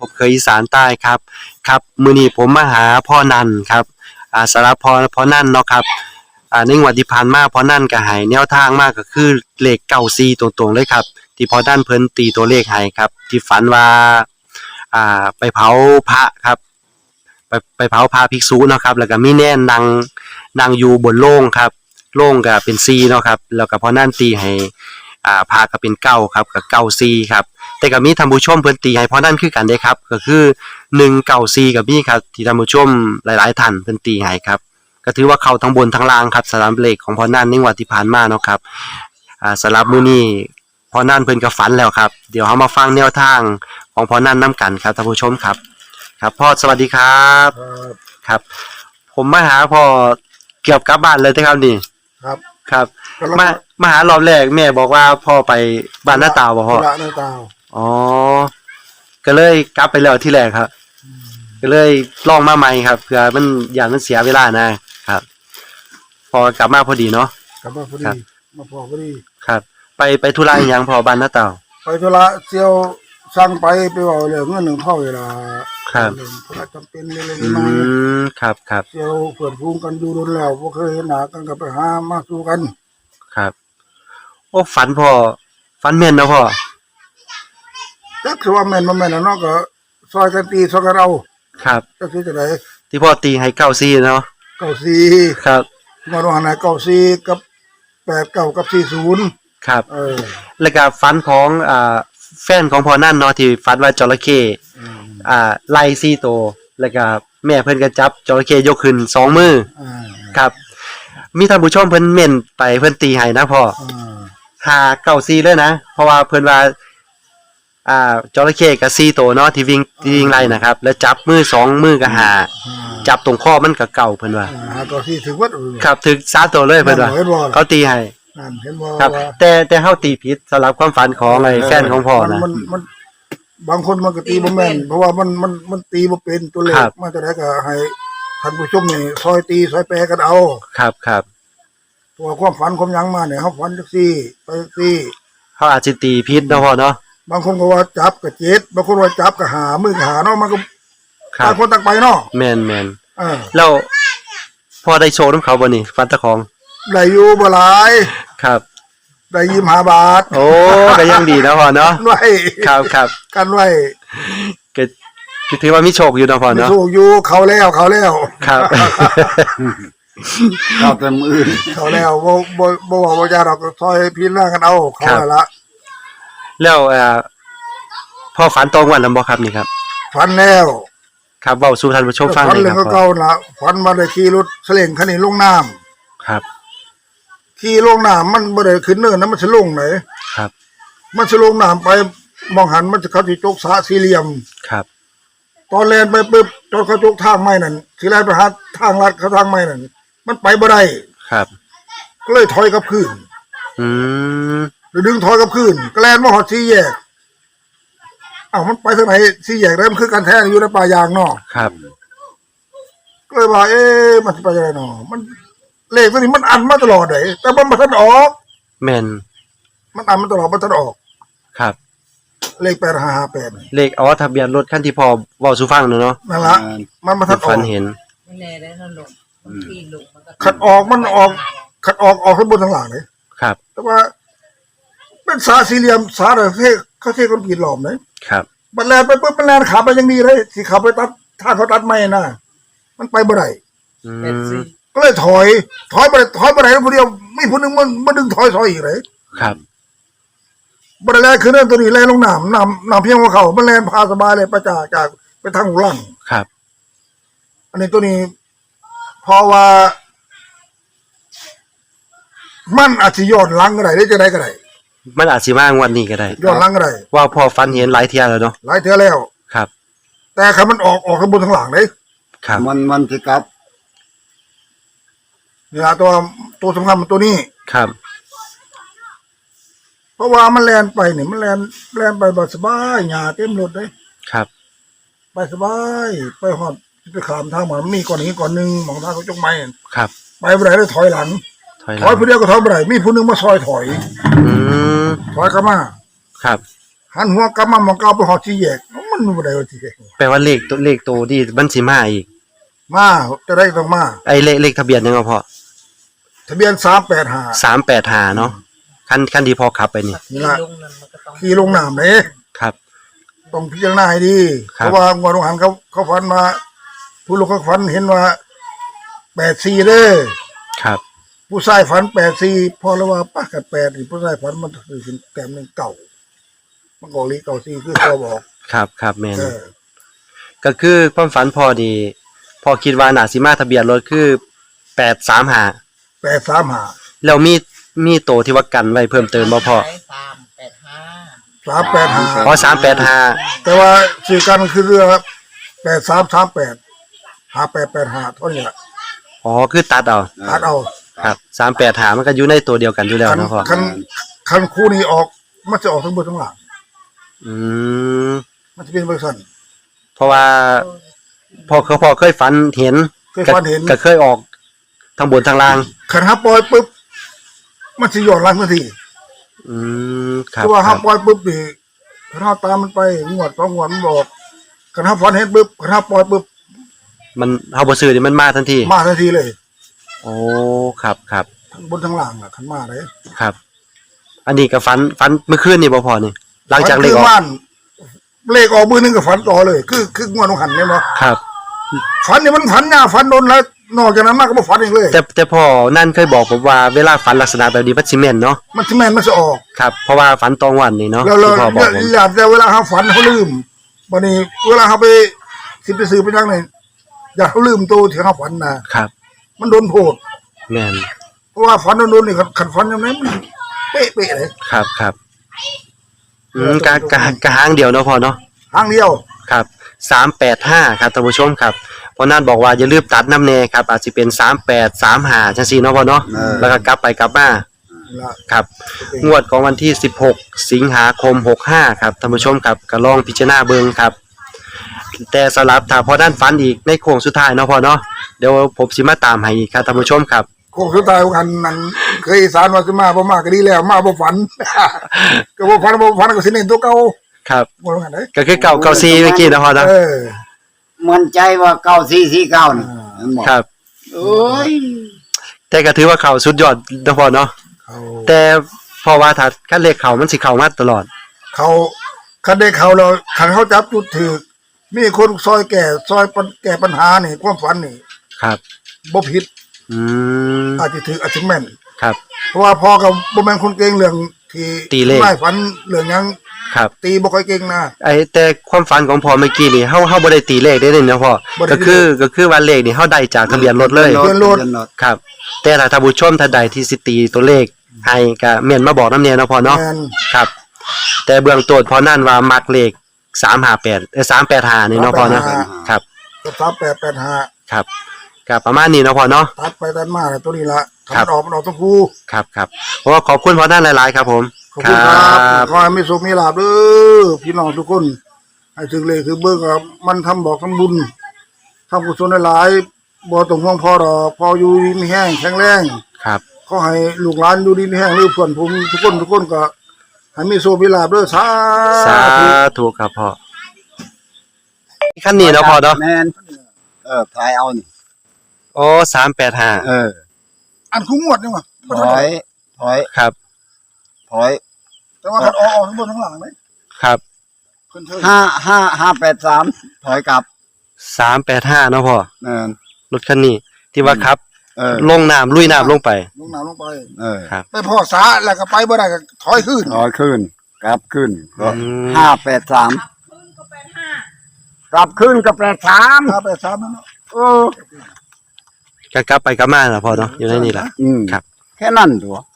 ผมเคยอีสานใต้ครับครับมื้อนี้ผมมาหาพ่อนันครับสำหรับพ่อนันเนาะครับในงวดที่ผ่านมาพ่อนันก็ให้แนวทางมาก็คือเลข94ตรงๆเลยครับที่พ่อนันเพิ่นตีตัวเลขให้ครับที่ฝันว่าไปเผาพระครับไปเผาพระภิกษุเนาะครับแล้วก็มีแน่นนั่งอยู่บนโล่งครับโล่งก็เป็น4เนาะครับแล้วก็พ่อนันตีให้พระก็เป็น9ครับก็94ครับแต่ก็มีท่านผู้ชมเพิ่นตีให้พ่อนันคือกันเด้ครับก็คือ194ก็มีครับที่ท่านผู้ชมหลายๆท่านเพิ่นตีให้ครับก็ถือว่าเข้าทั้งบนทั้งล่างครับสำหรับเลขของพ่อนันในงวดที่ผ่านมาเนาะครับสำหรับมื้อนี้พ่อนันเพิ่นก็ฝันแล้วครับเดี๋ยวเฮามาฟังแนวทางของพ่อนันนํกันครับท่านผู้ชมครับครับพ่อสวัสดีครับครับผมมาหาพ่อเกือบกลับบ้านเลยครับนี่ครับมาหารอบแรกแม่บอกว่าพ่อไปบ้านน้าตาวบ่พ่อบ้านน้าตาวอ๋อก็เลยกลับไปแล้วที่แรกครับก็เลยลองมาใหม่ครับเผื่อมันอย่างมันเสียเวลานะครับพอกลับมาพอดีเนาะกลับมาพอดีมาพอพอดีครับไปธุระอีหยังพ่อบ้านน้าตาวไปธุระเสี่ยวสั่งไปว่าเรื่องเงิน1เท่าเวลาครับธุระจำเป็นเล็กๆน้อยครับเสี่ยวเพื่อนฟูงกันอยู่โดนแล้วบ่เคยเห็นหน้ากันก็ไปหามาสู่กันครับโอ้ฝันพ่อฝันแม่นเนาะพ่อจักสิว่าแม่นบ่แม่นเนาะก็ซอยกันตีซอยกันเอาครับจักสิจังได๋ที่พ่อตีให้94เนาะ 94 ครับงวดว่าไหน94กับ89กับ40 ครับแล้วก็ฝันของแฟนของพ่อนั่นเนาะที่ฝันว่าจระเข้ไล่4ตัวแล้วก็แม่เพิ่นก็จับจระเข้ยกขึ้น2มือครับมีท่านผู้ชมเพิ่นเม่นไปเพิ่นตีให้นะพ่อ594เลยนะเพราะว่าเพิ่นว่าจระเข้ก็4ตัวเนาะที่วิ่งไล่นะครับแล้วจับมือ2มือก็5จับตรงคอมันก็เก่าเพิ่นว่า 594ถึงวัดครับถึง3ตัวเลยเพิ่นว่าเขาตีให้นั่นเห็นบ่ครับแต่เฮาตีผิดสำหรับความฝันของไอ้แฟนของพ่อนะมันบางคนมันก็ตีบ่แม่นเพราะว่ามันตีบ่เป็นตัวเลขมาแต่ไหนก็ให้ท่านผู้ชมนี่ซอยตีซอยแปลกันเอาครับตัวความฝันความหยังมาเนี่ยเฮาฝันจังซี่ไปจังซี่เฮาอาจสิตีผิดเนาะพ่อเนาะบางคนก็ว่าจับก็7บางคนว่าจับก็5มือก็5เนาะมันก็ต่างคนต่างไปเนาะแม่นแล้วพอได้โชว์นำเขาบ่นี่ฝันตะของได้อยู่บ่หลายครับได้25 บาทโอ้ก็ยังดีนะพ่อเนาะไว้ครับกันไว้ก็ถือว่ามีโชคอยู่เนาะพ่อเนาะมีโชคอยู่เขาแล้วครับเอาแต่มือเขาแล้วบ่ว่าบ่จะดอกซอยพิจารณากันเอาเขาแล้วพ่อฝันตรงวันแล้วบ่ครับนี่ครับฝันแล้วครับเว้าสู่ท่านผู้ชมฟังเลยครับฝันเก่าๆล่ะฝันว่าได้ขี่รถเสล่งคันนี้ลงน้ำครับขี่ลงน้ำมันบ่ได้ขึ้นเนินนะมันสิลงไหนครับมันสิลงน้ำไปมองหันมันจะเขาสิจกสระสี่เหลี่ยมครับตอนแล่นไปปึ๊บตอนเขาจกทางไม้นั่นสิแล่นไปหาทางลัดเขาทางไม้นั่นมันไปบ่ได้ครับก็เลยถอยกลับคืนดึงถอยกลับคืนก็แล่นมาฮอดสี่แยกมันไปทางไหนสี่แยกได้มันคือกันแท้อยู่ในป่ายางเนาะครับก็เลยว่ามันสิไปยังไงเนาะมันเลขตัวนี้มันอันมาตลอดเลยแต่มันบ่ทันออกแม่นมันอันมาตลอดบ่ทันออกครับเลข8558 เลขทะเบียนรถคันที่พ่อเว้าสู่ฟังเนาะนั่นล่ะมันบ่ทันออกฝันเห็นไม่แน่ได้นั่นลงมันปีนลงมันก็ขัดออกข้างบนข้างล่างเลยครับแต่ว่าเป็นสาสี่เหลี่ยมสาเขาเทคอนกรีตหลอมเลยครับมันแล่นไปปึ๊บมันแล่นขาไปยังดีเลยสิขับไปตัดถ้าเขาตัดไม้น่ะมันไปบ่ได้ก็เลยถอยไปแล้วผู้เดียวมีผู้นึงมันดึงถอยอีกเลยครับบ่ได้แล่นขึ้นนั่นตัวนี้แล่นลงน้ำเพียงหัวเข่ามันแล่นพาสบายเลยประจากไปทางหลังครับอันนี้ตัวนี้เพราะว่ามันอาจสิย้อนหลังก็ได้จะได้ก็ได้มันอาจสิมางวดนี้ก็ได้ย้อนหลังก็ได้ว่าพอฝันเห็นหลายเที่ยแล้วเนาะหลายเที่ยแล้วครับแต่คันมันออกข้างบนข้างหลังเด้ครับมันสิกลับนี่ล่ะตัวสำคัญมันตัวนี้ครับเพราะว่ามันแล่นไปนี่มันแล่นไปแบบสบายหญ้าเต็มรถเลยครับไปสบายไปฮอดไปข้ามทางมันมีก่อนนี้ก่อนนึงมองทางเขาจกไม้ครับไปบ่ได้เลยถอยหลังผู้เดียวก็ถอยบ่ได้มีผู้นึงมาซอยถอยถอยกลับมาครับหันหัวกลับมามองเก่าไปฮอดสี่แยกมันมันบ่ได้ว่าที่แปลว่าเลขตัวที่มันสิมาอีกมาจะได้ต้องมาไอ้เลขทะเบียนยังไงพ่อทะเบียน385 385เนาะคันที่พ่อขับไปนี่ที่ลงนั่นมันก็ต้องขี่ลงน้ำเลยครับต้องพิจารณาให้ดีคเพรับราะว่างวดหันเขาฝันมาผู้ลูกเขาฝันเห็นว่า84เด้อครับผู้ชายฝัน84พอแล้วว่าป้ากับ8นี่ผู้ชายฝันมันถึงแต้มนึงเก่ามันก็ลี94คือเขาบอกครับแม่นเออก็คือความฝันพ่อดีพ่อคิดว่าน่าสิมาทะเบียนรถคือ835 835 แล้วมีโตที่ว่ากันไว้เพิ่มเติมบ่พ่อ 385 อ๋อ 385 385 แต่ว่าชื่อกันคือเรือ8338 5885เท่านี้ล่ะอ๋อคือตัดเอาตัดเอาครับ385มันก็อยู่ในตัวเดียวกันอยู่แล้วเนาะพ่อคันคู่นี้ออกมันจะออกทั้งบนทั้งหลังอืมมันจะเป็นบริษัทเพราะว่าพ่อเคยฝันเห็นเคยฝันเห็นก็เคยออกทั้งบนทั้งล่างคันฮับปล่อยปุ๊บมันจะย้อนหลังทันทีอืมครับคือว่าคฮัรับบ ปล่อยปุ๊บนี่คันฮับตามมันไปงวด2งวดมันบอกคันฮับฝันเห็นปุ๊บคันฮับปล่อยปุ๊บมันเฮาบ่ซื้อนี่มันมาทันทีมาทันทีเลยโอ้ครับทั้งบนทั้งล่างอ่ะคันมาเลยครับ อันนี้ก็ฝันเมื่อคืนนี่บ่พอนี่หลังจากเลขออกฝันคือบ้านเลขออกมือนึงก็ฝันต่อเลย คืองวดของหันเนี่ยเนาะครับฝันนี่มันฝันยาวฝันโดนแล้วนอกจากนั้นมากก็บ่ฝันอีกเลยแต่พ่อนั่นเคยบอกผมว่าเวลาฝันลักษณะแบบนี้มันสิแม่นเนาะมันสิแม่นมันจะออกครับ เพราะว่าฝันตองวันนี่เนาะแล้วที่พ่อบอกผมอยากแต่เวลาเขาฝันเขาลืมวันนี้เวลาเขาไปสิไปซื้อไปยังไงอยากเขาลืมตัวที่เขาฝันนะครับ มันโดนโพดแม่นเพราะว่าฝันโดนนี่ขันฝันยังไงมันเป๊ะๆเลยครับกะหางเดียวเนาะพ่อเนาะทางเดียวครับ385ครับท่านผู้ชมครับเพราะนั่นบอกว่าอย่าลืมตัดน้ำแน่ครับอาจสิเป็น3835จังซี่เนาะพ่อเนาะแล้วก็กลับไปกลับมาละครับงวดของวันที่16สิงหาคม65ครับท่านผู้ชมครับก็ลองพิจารณาเบิ่งครับ แต่สำหรับถ้าพอด้านฝันอีกในโค้งสุดท้ายเนาะพ่อเนาะเดี๋ยวผมสิมาตามให้อีกครับท่านผู้ชมครับโค้งสุดท้ายของกันนั้นเคยอีสานว่าสิมาบ่มาก็ดีแล้วมาบ่ฝัน ก็บ่ฝันก็สิเน้นตัวเก่าครับบ่ว่ากันเด้ก็คือเก่า4เมื่อกี้นะพ่อเนาะมั่นใจว่า9449นี่มันบอกครับโอ้ยแต่ก็ถือว่าเข้าสุดยอดนะพ่อเนาะเขาแต่เพราะว่าถ้าคันเลขเข้ามันสิเข้ามาตลอดเขาคันได้เขาแล้วคันเขาจับจุดถูกมีคนซอยแก้ปัญหานี่ความฝันนี่ครับบ่ผิดอืมอาจจะถืออาจจะแม่นครับเพราะว่าพ่อกับบ่แม่นคนเก่งเรื่องที่ตีเลขไม่ฝันเรื่องหยังครับตีบ่ค่อยเก่งนะแต่ความฝันของพ่อเมื่อกี้นี่เฮาบ่ได้ตีเลขได้เลยเนาะพ่อบ่ได้ก็คือว่าเลขนี่เฮาได้จากทะเบียนรถเลยทะเบียนรถครับ แต่ถ้าท่านผู้ชมท่านใดที่สิตีตัวเลขให้ก็เม่นมาบอกนำแน่เนาะพ่อเนาะแม่นครับ แต่เบื้องต้นพอนั่นว่ามักเลข358 385นี่เนาะพ่อเนาะครับกับ3885 ครับก็ประมาณนี้เนาะพ่อเนาะตัดไปตัดมาแล้วตัวนี้ละครับทำออกมันออกทั้งคู่ครับเพราะว่าขอบคุณพ่อนั่นหลายๆครับผมขอบคุณครับขอให้มีสุขมีลาภเด้อพี่น้องทุกคนให้ถึงเลยคือเบิ่งครับมันทำบอกทำบุญทำกุศลหลายๆบ่ต้องห่วงพ่อดอกพออยู่ดีมีแห้งแข็งแรงครับขอให้ลูกหลานอยู่ดีมีแห้งหรือเพื่อนผมทุกคนก็ให้มีโชคมีลาภเด้อสาสาธุธุครับพ่อขั้นนี้เนาะพ่อเนาะแม่นทายเอานี่โอ้385 อันคุ้งงวดนี่ว่ะถอยครับถอยแต่ว่ามันออกทั้งบนทั้งหลังไหมครับเพิ่นเทิง 583ถอยกลับ 385เนาะพ่อแม่นรถคันนี้ที่ว่าขับ ลงน้ำลุยน้ำลงไปลงน้ำลงไปครับไปพ่อสาแล้วก็ไปบ่ได้ก็ถอยขึ้นถอยขึ้นกลับขึ้นก็อืม 583กลับขึ้นก็83 ถ้าไปสามนั่นเนาะก็กลับไปกลับมาล่ะพ่อเนาะอยู่ในนี่ล่ะอืมครับแค่นั้นตัว